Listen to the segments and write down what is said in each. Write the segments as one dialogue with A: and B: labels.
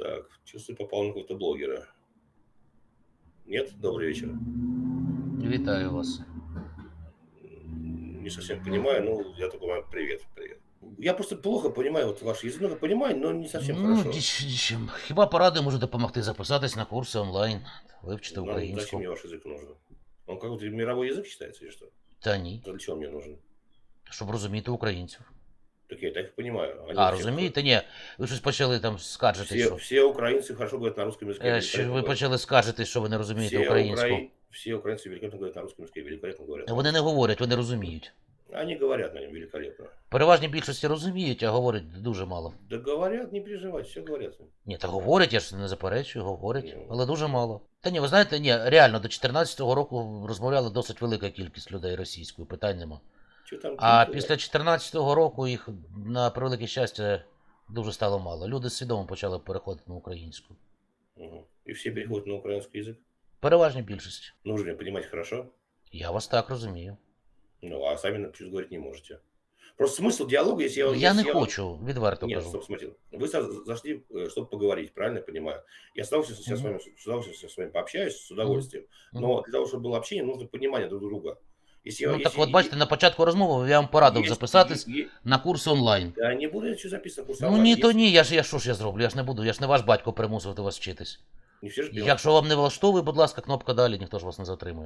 A: Так, чувствую, попал на какого-то блогера. Нет? Добрый вечер.
B: Вітаю вас.
A: Не совсем понимаю, ну, я только понимаю, привет, привет. Я просто плохо понимаю вот ваш язык, ну, понимаю, но не совсем
B: Ну,
A: хорошо.
B: нічим. Хіба поради можу допомогти записатись на курси онлайн, вивчити
A: Нам зачем
B: українську?
A: мне ваш язык нужен? Он какой-то мировой язык считается или что?
B: Та ні,
A: Для чего он мне нужен?
B: щоб розуміти українців.
A: Так я и так понимаю. Они
B: А,
A: все,
B: розумієте? Ні, ви щось почали там скаржитись, що,
A: все украинцы хорошо говорят на русском языке,
B: що
A: великолепно
B: ви
A: говорят.
B: почали скаржитись, що ви не розумієте українську.
A: Все украинцы великолепно говорят на русском языке, великолепно говорят
B: Вони не
A: по-русски.
B: говорять, вони розуміють.
A: Они говорят на нем великолепно.
B: Переважній більшості розуміють, а говорять дуже мало.
A: Да говорят, не переживайте, все говорят.
B: Ні, та говорять, я ж не заперечую, говорять,
A: Ну.
B: але дуже мало. Та ні, ви знаєте, ні, реально, до 14-го року розмовляла досить велика кількість людей російською, питань нема.
A: Что там?
B: А після 14-го року їх, на превелике щастя, дуже стало мало. Люди свідомо почали переходити на українську.
A: Мгм. И все переходят на украинский язык?
B: Переважній більшості.
A: Нужно ли понимать хорошо?
B: Я вас так розумію.
A: Ну, а сами чуть говорить не можете. Просто смысл диалога, если я...
B: Я не
A: если я...
B: хочу, відверто
A: Нет,
B: кажу.
A: стоп, смотри. Вы зашли, чтобы поговорить, правильно я понимаю? Я с удовольствием сейчас
B: Мгм.
A: с удовольствием с вами пообщаюсь, с удовольствием.
B: Мгм.
A: Но для того, чтобы было общение, нужно понимание друг друга. Если я...
B: Ну так
A: Если...
B: от бачите, на початку розмови я вам порадив записатись
A: е-
B: на курси онлайн.
A: Да не буду я ничего записывать, курс
B: Ну
A: онлайн.
B: ні, то
A: Если...
B: ні, що ж я зроблю, я ж не буду, я ж не ваш батько примусувати вас вчитись.
A: Не все же делают.
B: Якщо вам не влаштовує, будь ласка, кнопка далі, ніхто ж вас не затримує.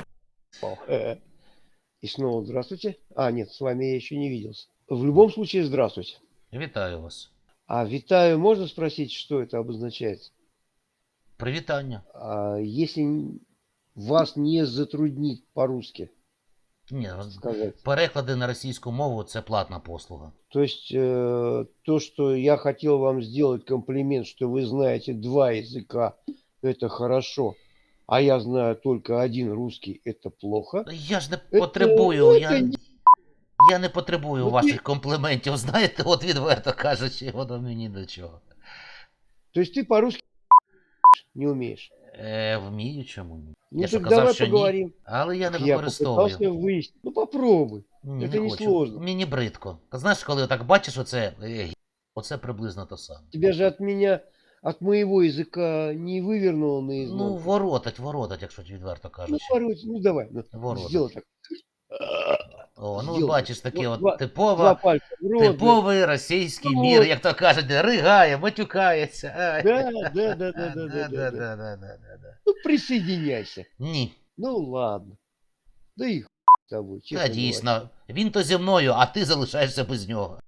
C: И снова здравствуйте. А, нет, с вами я еще не виделся. В любом случае, здравствуйте.
B: Вітаю вас.
C: А витаю, можно спросить, что это обозначает?
B: Привітання.
C: А если вас не затруднит по-русски
B: Ні,
C: сказать?
B: переклади на російську мову це платна послуга.
C: То есть то, что я хотел вам сделать комплимент, что вы знаете два языка, это хорошо, а я знаю только один русский, это плохо.
B: Я ж не
C: Это-
B: потребую,
C: ну,
B: я,
C: це ні-
B: я не потребую
C: Ну, ти-
B: ваших компліментів, знаєте, от відверто кажучи, воно мені до чого.
C: То есть ты по-русски не умеешь?
B: Вмію чому ні.
C: Ну
B: Я що
C: так
B: казав,
C: давай
B: що ні,
C: поговорим.
B: але я не
C: Я
B: використовую.
C: попытался выяснить. Ну попробуй.
B: Ні,
C: це не
B: хочу.
C: сложно.
B: Мені бридко. Знаєш, коли так бачиш оце, оце приблизно то саме.
C: Тебя же от меня, от моего языка не вывернуло
B: Ну,
C: наизнанку.
B: воротать, якщо відверто
C: Ну,
B: кажучи.
C: порой, ну давай, ну,
B: Воротать.
C: сделай так.
B: О, ну
C: Сделай.
B: бачиш, таке
C: Вот
B: от
C: два пальца в рот.
B: типовий російський
C: Ну,
B: мір,
C: от.
B: як то кажуть, ригає, матюкається. Ай.
C: Да, да, да, да, да, да, да.
B: Да.
C: Ну присоединяйся.
B: Ні,
C: Ну ладно. Да и с тобой, честно
B: та
C: говоря.
B: дійсно. Він то зі мною, а ти залишаєшся без нього.